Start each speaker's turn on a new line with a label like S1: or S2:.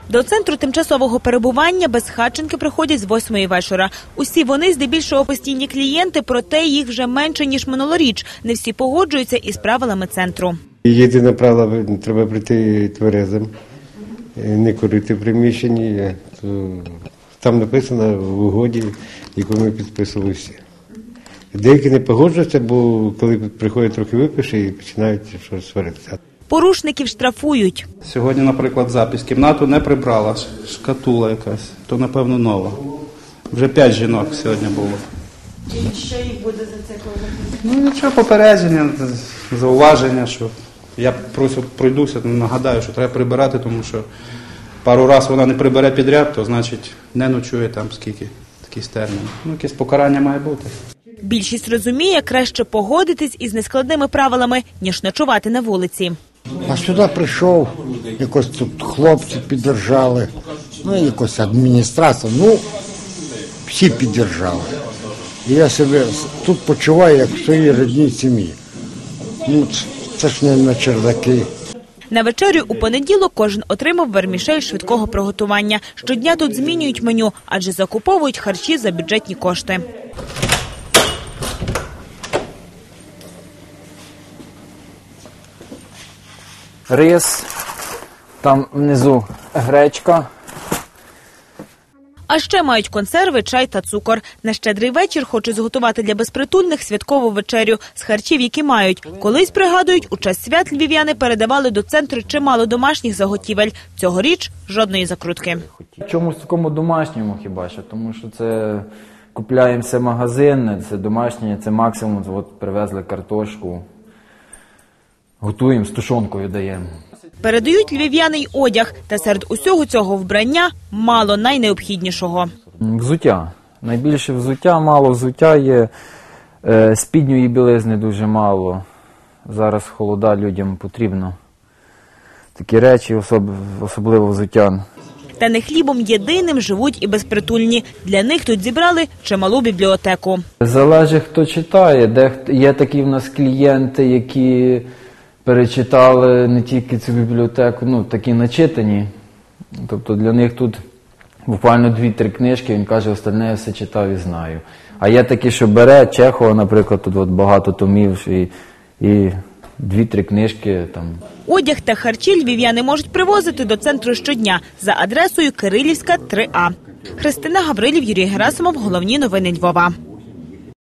S1: До центру тимчасового перебування безхатченки приходять з 8-ї вечора. Усі вони здебільшого постійні клієнти, проте їх вже менше, ніж минулоріч. Не всі погоджуються із правилами центру.
S2: Єдине правило – треба прийти тверезим, не курити в приміщенні. Там написано в угоді, яку ми підписували всі. Деякі не погоджуються, бо коли приходять трохи випивши і починають щось сваритися.
S1: Порушників штрафують.
S3: Сьогодні, наприклад, запис. Кімнату не прибрала, шкатула якась, то, напевно, нова. Вже 5 жінок сьогодні було.
S1: І що їх буде за це?
S3: Ну, нічого, попередження, зауваження, що я просто пройдуся, нагадаю, що треба прибирати, тому що пару разів вона не прибере підряд, то, значить, не ночує там скільки, якийсь термін. Ну, якесь покарання має бути.
S1: Більшість розуміє, краще погодитись із нескладними правилами, ніж ночувати на вулиці.
S4: А сюди прийшов, якось тут хлопці піддержали, ну якось адміністрація, ну всі піддержали. І я себе тут почуваю, як в своїй рідній сім'ї. Ну це ж не на чердаки.
S1: На вечерю у понеділок кожен отримав вермішель швидкого приготування. Щодня тут змінюють меню, адже закуповують харчі за бюджетні кошти.
S5: Рис, там внизу гречка.
S1: А ще мають консерви, чай та цукор. На Щедрий вечір хочуть зготувати для безпритульних святкову вечерю з харчів, які мають. Колись, пригадують, у час свят львів'яни передавали до центру чимало домашніх заготівель. Цьогоріч – жодної закрутки.
S5: В чомусь такому домашньому хіба що, тому що це купляємо все магазинне, це домашнє, це максимум, от привезли картошку, готуємо, з тушонкою даємо.
S1: Передають львів'яни й одяг, та серед усього цього вбрання мало найнеобхіднішого.
S5: Взуття. Найбільше взуття, мало взуття є, спідньої білизни дуже мало. Зараз холода, людям потрібно. Такі речі, особливо взуття.
S1: Та не хлібом єдиним живуть і безпритульні. Для них тут зібрали чималу бібліотеку.
S5: Залежить, хто читає. Є такі в нас клієнти, які перечитали не тільки цю бібліотеку, ну, такі начитані. Тобто для них тут буквально 2-3 книжки, він каже, остальне я все читав і знаю. А є такі, що бере, Чехова, наприклад, тут от багато томів і 2-3 книжки там.
S1: Одяг та харчі львів'яни можуть привозити до центру щодня за адресою Кирилівська, 3А. Христина Гаврилів, Юрій Герасимов. Головні новини Львова.